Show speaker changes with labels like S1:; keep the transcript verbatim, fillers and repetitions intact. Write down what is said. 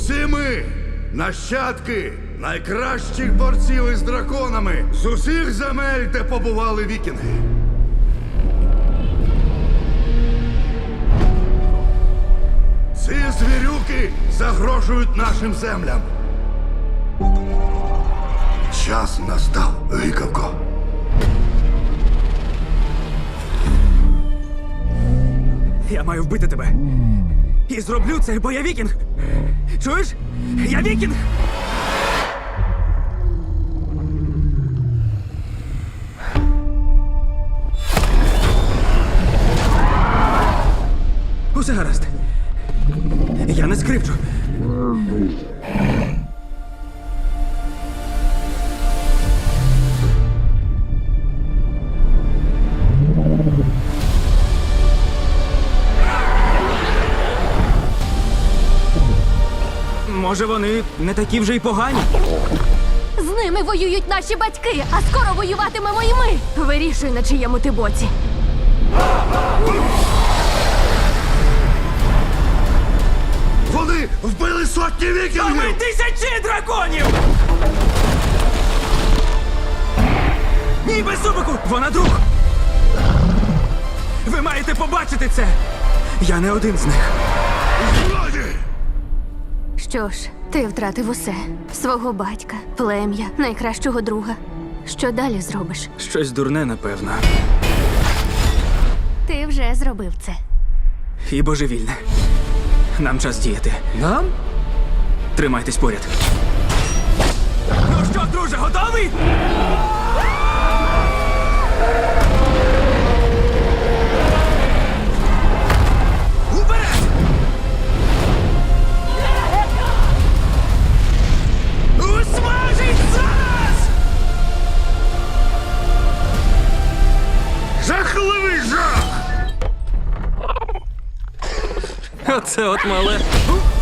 S1: Усі ми нащадки найкращих борців із драконами з усіх земель, де побували вікінги. Ці звірюки загрожують нашим землям. Час настав, гикавко.
S2: Я маю вбити тебе. І зроблю це, бо я вікінг. Чуєш? Я вікінг! Усе гаразд. Я не скривджу. Може, вони не такі вже й погані?
S3: З ними воюють наші батьки, а скоро воюватимемо і ми. Вирішуй, на чиєму ти боці.
S1: Вони вбили сотні
S2: А ми
S1: вікінгів!
S2: тисячі драконів! Ні, без зубику! Вона друг! Ви маєте побачити це! Я не один з них.
S1: Злодії!
S3: Що ж, ти втратив усе. Свого батька, плем'я, найкращого друга. Що далі зробиш?
S2: Щось дурне, напевно.
S3: Ти вже зробив це.
S2: І божевільне. Нам час діяти.
S4: Нам?
S2: Тримайтесь поряд. Ну що, друже, готовий? Уперед! Усмажить зараз!
S1: Жахливий жах!
S4: Оце от мале.